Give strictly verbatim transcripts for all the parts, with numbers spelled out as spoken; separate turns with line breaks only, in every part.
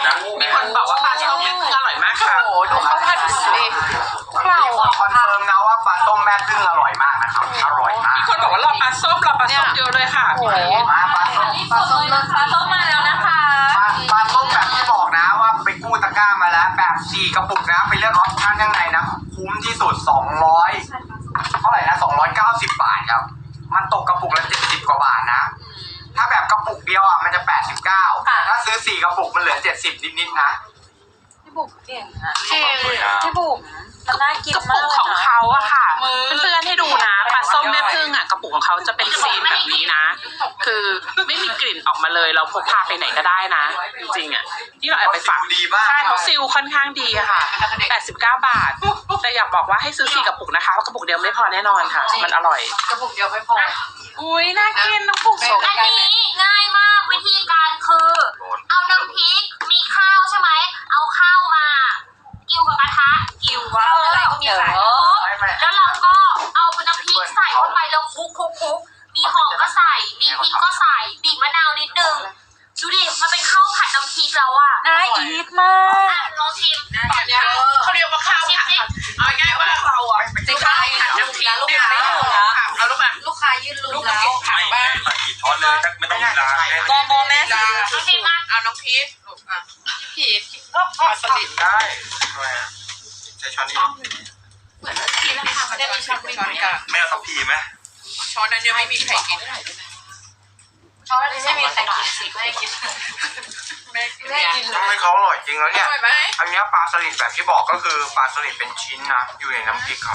นะมีคนบอกว่าปลาส้มแม่พึ่งอร่อยมากค่ะโอ้โหดูข้าวผัดสิ
เราคอนเฟิร์มนะว่าปลาส้มแม่พึ่งอร่อยมากนะครับอร่อยมาก
มีคนบอกว่ารอปลาส้มรอปลาส้มเยอะเลยค่ะโอ้โห
มาปลาส้ม
ปลาส้มปลาส้มมาแล้วนะคะ
ปลาส้มแบบที่บอกนะว่าไปกู้ตะกร้ามาแล้วแบบสี่กระปุกนะไปเลือกออปชั่นข้างในนะคุ้มที่สุดสองร้อยเท่าไหร่นะสองร้อยเก้าสิบบาทครับมันตกกระปุกละเจ็ดสิบกว่าบาทนะถ้าแบบกระปุกเดียวอ่ะมันจะแปดสิบเก้าถ้าซื้อสี่กระปุกมันเหลือเจ็ดสิบนิดๆนะ
พี่บุ๋มเก่งอะเก่งพี่บุ๋มมันน่ากิน
กระ
มา
ปุ
ก
กของเขาอะค่ะเพื่อนๆให้ดูนะปลาส้มแม่พึ่งอะกระปุกของเขาจะเป็นซีนแบบนี้นะ คือไม่มีกลิ่นออกมาเลยเราพกพาไปไหนก็ได้นะจริงๆอะที่เราเอาไปฝาก
ดีมาก
ใช่เขาซิลค่อนข้างดีอะค่ะแปดสิบเก้าบาทแต่อยากบอกว่าให้ซื้อสี่กระปุกนะคะเพราะกระปุกเดียวไม่พอแน่นอนค่ะมันอร่อย
กระปุกเดียวไม่พอ
อุ้ยน่ากินน้องปุกสม
อันนี้ง่ายมากวิธีการคือเอาน้ำพริกมีข้าวใช่ไหมเอาข้าวมากิ้วกับกระทะกิ้วว่าอะไรก็มีขายแล้วเราก็เอาน้ำพริกใส่เข้าไปแล้วคลุกคลุกคลุกมีหอมก็ใส่มีพริกก็ใส่บีบมะนาวนิดนึงดูดิมันเป็นข้าวผัดน้ำพริกแล้วอ่ะ
น่าอีทมาก
ลองชิม
เขาเรียกว่าข้าวผัดเอาง่ายว่าเราอ่ะจะข้าวผัดน้ำพริกลูกค้าไม่ถูกนะเอาลูกมา
ลูกค้ายืนลุ้นแล้ว
ผักบ้าง
ใส่กี่ช้อนเลยไม่ต้องล้าง
โมโมแม่ซื้อ
น้องชิมมา
เอาน้องพีชลูกอ่ะพีชก็พอสลิด
ได้ทำไมอ่ะใช้ช้อนนี้
เหมือนกินแล้วค่ะไม่ได้มีช้อนไม่ไหม
ไม่เอาทัพพีไหม
ช้อนนั้นยังไม่มีใครกิน
ช้อนนั้นไม่มีใครกินสิไม่กิน
ไม่กิน
ทำไมเขาอร่อยจริงแล้วเนี่ย
อร่อยไหม
อันนี้ปลาสลิดแบบที่บอกก็คือปลาสลิดเป็นชิ้นนะอยู่ในน้ำพริกครับ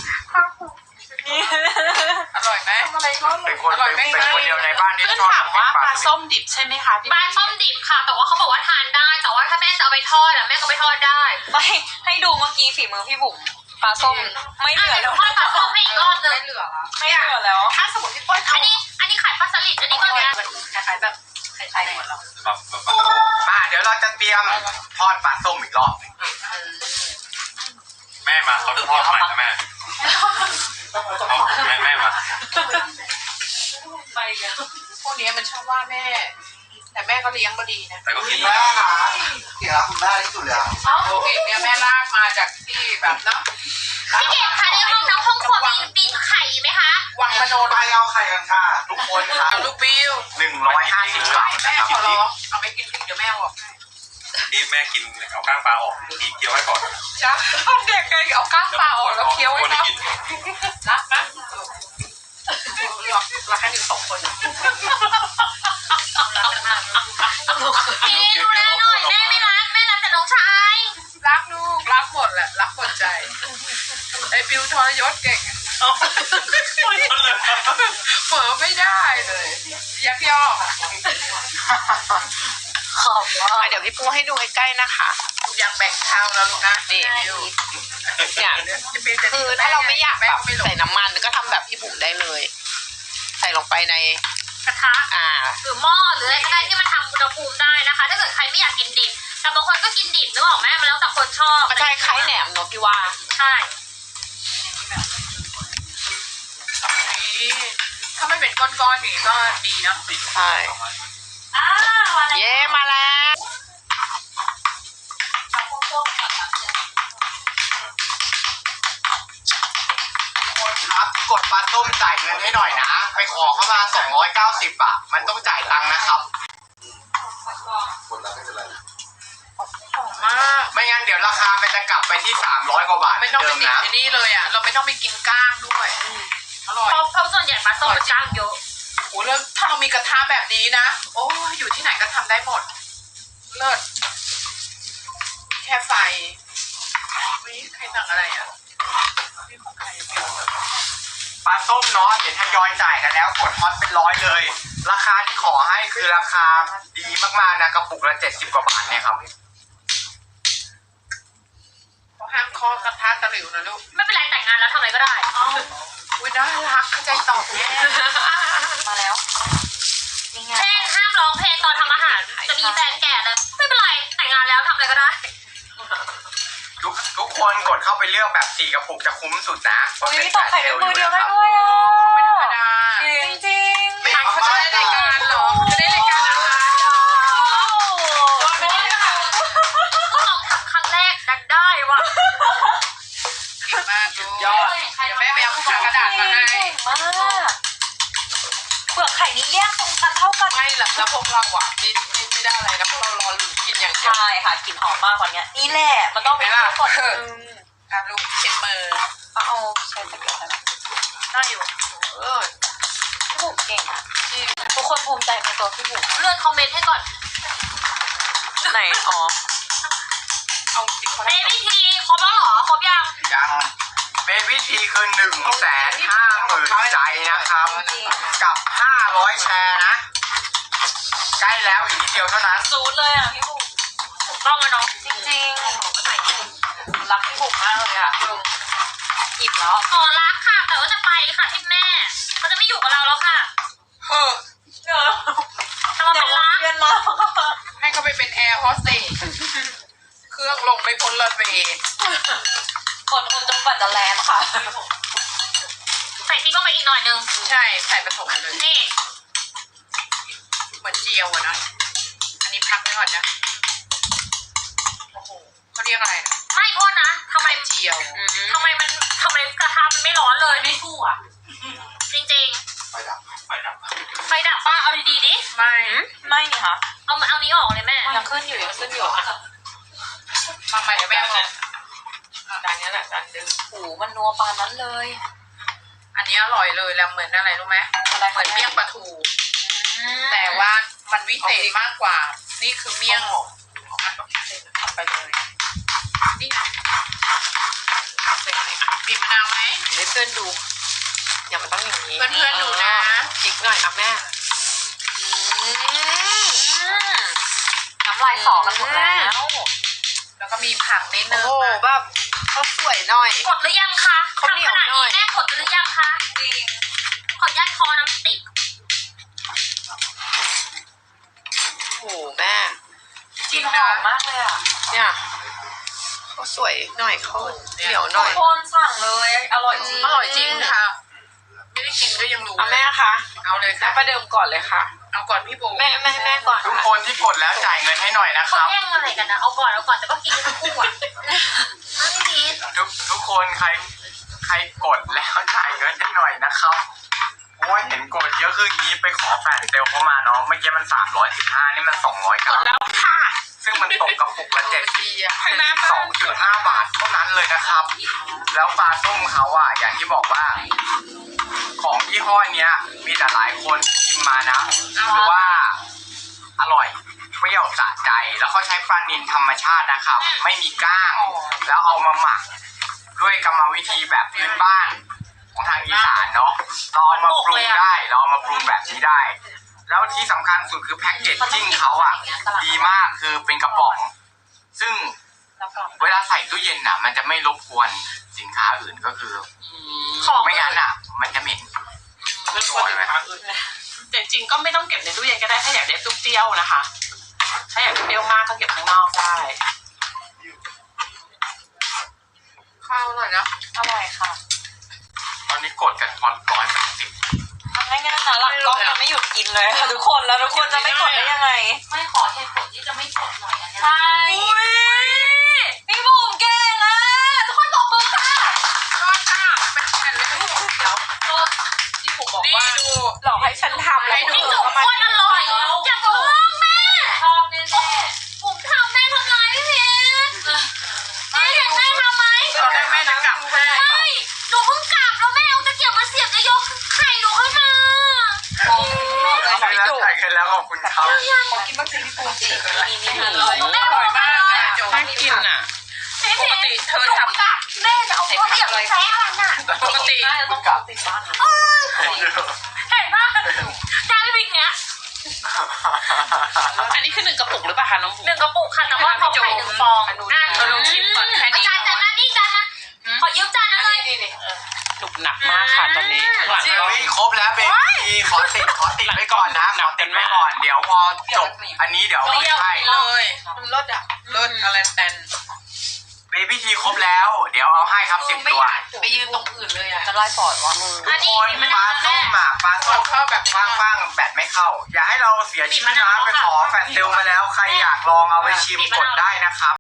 อร่อยไหม
เป็นคนเป็นคนเดียวในบ้านที่ชอบ
ถามว่าปลาส้มดิบใช่ไหมคะ
ปลาส้มดิบค่ะแต่ว่าเขาบอกว่าทานได้แต่ว่าถ้าแม่จะเอาไปทอดอะแม่ก็ไปทอดได้
ไม่ให้ดูเมื่อกี้ฝีมือพี่บุ๋มปลาส้มไม่เหลือแล้ว
ทอดปลาส้มให้อีกรอบนึง
ไม่เหลือไม่เหลือแล้ว
ถ้าสมมติพี่ป้อน
อันนี้อันนี้ขายปลาสลิดอันนี้ก็เนี้ย
คล้ายๆแบบคล้ายๆหมดแล้ว
มาเดี๋ยวเราจะเตรียมทอดปลาส้มอีกรอบ
แม่มาเขาจะทอดใหม่นะแม่แม่แม่มา
ไปกัน
พวกนี้มันชอบว่าแม่แต่แม่ก็เลี้ยงมาดีนะ
แต่ก็กิน
แม่ค่ะเก่งรักคุณแม่ที่สุดเลย
โอเคเนี่ยแม่ลากมาจากที่แบบเนาะ
พี่เก่งค่ะในห้องน้ำห้องครัวมีปีนไข่ไหมคะ
วังมโน
ไปเอาไข่กันค่ะทุกคนค่ะ
ลูกบิว
หนึ่งร้อยห้าสิบบาท
แม่ขอร้องเอาไปกินพริกเดี๋ยวแม่บอก
ที่แม่กินเอาก้างปลาออกทีเคี้ยวไว้ก่อน
จ้าเด็กไงเอาก้างปลาออกแล้วเคี้ยวไว้ครับรักนะรักแค่หนึ่งสองคน
พี่ดูแลหน่อยแม่ไม่รักแม่รักแต่น้องชาย
รักลูกรักหมดแหละรักหมดใจไอ้บิวทรยศเก่งเผลอไม่ได้เลยยักยอก
ขอบว่า
เดี๋ยวพี่ปูให้ดูใกล้ๆนะคะอยากแบ่งข้าวแล้วลูกนะนี่เนี่ยคือถ้าเราไม่อยากแบบใส่น้ำมันก็ทำแบบพี่บุ๋มได้เลยใส่ลงไปใน
กระทะอ่าหรือหม้อหรืออะไรก็ได้ที่มันทำอุณหภูมิได้นะคะถ้าเกิดใครไม่อยากกินดิบแต่บางคนก็กินดิบนึกออกไหมมันแล้วแต่คนชอบ
ใช่คล้ายแหนมเนอะพี่ว่า
ใช่
ถ้าไม่เป็นก้อนๆอย่างนี้ก็ดีนะ
ใช่เย้มาแล้ว
คนครับกดปลาส้มจ่ายเงินให้หน่อยนะไปขอเข้ามาสองร้อยเก้าสิบอ่ะมันต้องจ่ายตังค์นะครับกดแล้วไม่เป็นไร
มาก
ไม่งั้นเดี๋ยวราคามันจะกลับไปที่สามร้อยกว่าบาท
ไม่ต้องไปติดที่นี่เลยอ่ะเราไม่ต้องไปกินก้างด้วยอร่อย
เพราะส่วนใหญ่ปลาส้มมันก้างเยอะ
โอ้แล้วถ้าเรามีกระทะแบบนี้นะโอ้อยู่ที่ไหนก็ทำได้หมดเลิศแค่ไฟวิใครสั่งอะไรอ่ะ
ปลาส้มเนาะเห็นทยอยจ่ายกันแล้วกดฮอตเป็นร้อยเลยราคาที่ขอให้คือราคาดีมากๆนะกระปุกละเจ็ดสิบกว่าบาทเนี่ยครับ
เขาห้ามเคาะกระทะตะหลิวนะลูก
ไม่เป็นไรแต่งงานแล้วทำอะไรก็ได้
อุ้ยน่ารักเข้าใจตอบแม่
มาแล้ว
เช่นห้ามร้องเพลงตอนทำอาหารจะมีแฟนแก่เลยไม่เป็นไรแต่งงานแล้วทำอะไรก็ได้
ทุกทุกคนกดเข้าไปเลือกแบบสี่กระปุกจะคุ้มสุดนะ
อุ้ยตอกไข่เป็นมือเดียวได้ด้วยอ่ะ
ไม่ธรรมดา
จริงจริง
ไม่เขาจะได้รายการหรอจะได้รายการอะไร
เท่ากัน
ไม่ละแล้วพวกเราอ่ะไม่ไม่ไม่ได้อะไรนะพวกเรารอลุ้นกินอย่างเดียว
ใช่ค่ะกลิ่นหอมมากกว่านี้นี่แหละมันต้องเป็นก่อนนึง
อ่ะลูกเช็ดมือ
เอาเอาใช้ตะเกียบได้ได้อยู่
เออ
พี่บุ๋มเก่งอ่ะทุกคนภูมิใจในตัวพี่บุ๋ม
เลื่อนคอมเมนต์ให้ก่อน
ไหนอ๋อ
เอาจริงเขา
เบบี้ทีครบแล้วเหรอครบยัง
ยังเบบี้ทีคือหนึ่งแสนห้าหมื่นใจนะครับ กับห้าร้อยแชร์นะ ใกล้แล้วอีกนิดเดียวเท่านั้น
ซูดเลยอ่ะพี่บุ๋ม
ถูกต้องแล้วเนาะ
จริงๆรักพี่บุ๋มมากเลยอ่ะหยิบแล้ว
ขอรักค่ะ แต่ว่าจะไปค่ะที่แม่เขาจะไม่อยู่กับเราแล้วค่ะ
เฮ้อ
เนอะ
จะมาเป็นรัก
เพื่อนมา
ให้เขาไปเป็นแอร์โฮสเตสเครื่องลงไม่พ้นรันเวย์
คนคนจงกว่าจะแลนด์ค่ะ
ใส่พริกลงไปอีกหน่อยนึง
ใช่ใส่ผสมกันเลย
นี่
เหมือนเจียวอะนะอันนี้พักไว้ก่อนนะโอ้โหเขาเรียกอะไรนะ
ไม่โทษนะทำไม
เจียว
ทำไมมันทำไมกระทะมันไม่ร้อนเลยไม่สู้อ่ะ จริง
ไฟดับไฟดับ
ๆไฟดับป้าเอาดีๆดิ
ไม่
ไม่นี่ค่ะ
เอามาเอานี้ออกเลยแม่
ยังขึ้นอยู่ยังขึ้นอยู่
มาใหม่เดี๋ยวแม่เอาจานนี้แหละจานดึง
โอ้โหมันนัวปานนั้นเลย
อันนี้อร่อยเลยแล้วเหมือนอะไรรู้ไหม
อะไร
เหมือนเมี่ยงปลาทู แต่ว่ามันวิเศษมากกว่า นี่คือเมี่ยงทำไปเลยนี่นะบีบมะนาวไหม
ให้เพื่อนดูอย่ามันต้องอย่างนี้
เพื่อนๆดูนะ
จิกหน่อยอ่ะแม่น้ำลายสอกันหมดแล้ว
แล้วก็มีผักนิดนึง
โอ้โหแบบเขาสวยหน่อย
กดหรือยังคะ
ข้าวเหนียว
ทำขนาด
หน่อย
นี้แม่กดหรือยังคะจริงขออนุญาตคอน้ำติด
โอ้โหแม่กลินหอมมากเลยอ่ะเนี่ยเขาสวยหน่อยเขาเหนียวหน่อยคนสั่งเลยอร่อยจริง
อร่อยจริงค่ะ ไม่ได้กินก็ยังรู้
เอาแม่คะ
เอาเลยค่ะ
ประเดิมก่อนเลยค่ะ
เอาก่อนพี่โบ
แม่แม่แม่ก่อน
ทุกคนที่กดแล้วจ่ายเงินให้หน่อยนะค
เขา
รับ
แย่งอะไรกันนะเอาก่อนเอาก่อนแต่ก็กินทั้งคู่อ่ะไม่ดี
ทุกทุกคนใครใครกดแล้วจ่ายเงินให้หน่อยนะครับโอ้ยเห็นกดเยอะขึ้นอย่างนี้ไปขอแฟนเซลเข้ามาเนาะเมื่อกี้มันสามร้อยสิบห้านี่มันสองร้อยเก้าแล้วค่ะ ซึ่งมันตกกระปุกละเจ็ดสิบสองจุดห้าบาทเท่านั้นเลยนะครับ แล้วปลาส้มเขาอ่ะอย่างที่บอกว่า ของยี่ห้อเนี้ยมีแต่หลายคนชิมมานะหรือว่าอร่อยเปรี้ยวสะใจแล้วเขาใช้ปลานิลธรรมชาตินะครับ ไม่มีก้าง แล้วเอามาหมัก ด้วยกรรมวิธีแบบพื้นบ้านของทางอีสานเนาะเราเอามาปรุงได้เราเอามาปรุงแบบนี้ได้ แล้วที่สำคัญสุดคือแพ็กเกจจิ้งเขาอ่ะดีมากคือเป็นกระป๋อง ซึ่งเวลาใส่ตู้เย็นอ่ะ มันจะไม่รบกวนสินค้าอื่นก็คือ
ของ
ไม่งั้นอ่ะ มันจะเหม็น
เรื่องคนไหมครับ
แต่จริงๆก็ไม่ต้องเก็บในตู้เย็นก็ได้ถ้าอยากได้เปรี้ยวๆนะคะ ถ้าอยากได้เปรี้ยวมากก็เก็บข้างนอกได้
ข้าวอร่อยนะ
อร่อยค่ะ
ตอนนี้กดกันพอร้อยแปดสิบ
ง่ายๆนะหลังกล้องจะไม่หยุดกินเลยค่ะทุกคนแล้วทุกคนจะไม่กดได้ยังไง
ไม่ขอเหตุผลที่จะไม่กดหน่อยอันเนี้ย
ใช่พี่บุ๋มเก่งอ่ะทุกคนตบมือค่ะ
ทอดค่ะเป็นแผ่นเลยพี่โบเดี๋ยว
พี่บุ๋มบอก
นี่
ว่า
ดู
หลอกให้ฉันทำแล้ว
พี่จุ๋มโคตรอร่อยอย่าบอกแม่
ชอบแน่
ผมทำแม่ทำร้ายพี่พีชแม่เห็นแม่ทำไหม
ตอนแรกแม่จะกลับให้
ไม่หนูเพิ่งกลับแล้วแม่เอาตะเกียบมาเสียบจะยกไข่หนูขึ้นมา
ๆของพี่
แล้ว
จุ๋ม
จ่ายกันแล้วขอบคุณครับ
ของกินบ้างสิพี่บุ๋มสินี่นี่
หนูกับแม่
อร่อยมากนะโจ
น่ากินอ่ะ
พี่พีชเธอทำกับแม่จะเอาตะเกียบใช้อันน่ะ
ปกติ
น่าจะต้องติดบ้าน
เห็นปะได้พริกเนี้ย
อันนี้คือหนึ่งกระปุกหรือเปล่าคะน้องบุ๋
หนึ่งกระปุกค่ะแต่ว่าเขาไข่หนึ่งฟองอ่ะ
เธอลองชิมก่อนแค่นี้
จานจานมานี่จานมาขอยืมจานนั้นเลย
นี่นี่
หนุกหนักมากค่ะตอนนี้ข้างหลังก็
เฮ้ยครบแล้วเบบี้ขอติดขอติดไว้ก่อนนะขอติดไว้ก่อนเดี๋ยวพอจบอันนี้เดี๋ยว
เปรี้ยว
ให้
เลยมันรสอ่ะรสอะไรแตน
เบบี้ทีครบแล้ว เดี๋ยวเอาให้ครับสิบ
ไม่
ตัว
อยากไปยืนตรงอื่นเลยอ่ะ
จะไล่ปอดวะมึง
ทุกคนปลาส้มอ่ะปลาส้มเข้าแบบว่างๆแบตไม่เข้า อย่าให้เราเสียชื่อนะไปขอแฟนเซลมาแล้วใครอยากลองเอาไปชิมกดได้นะครับ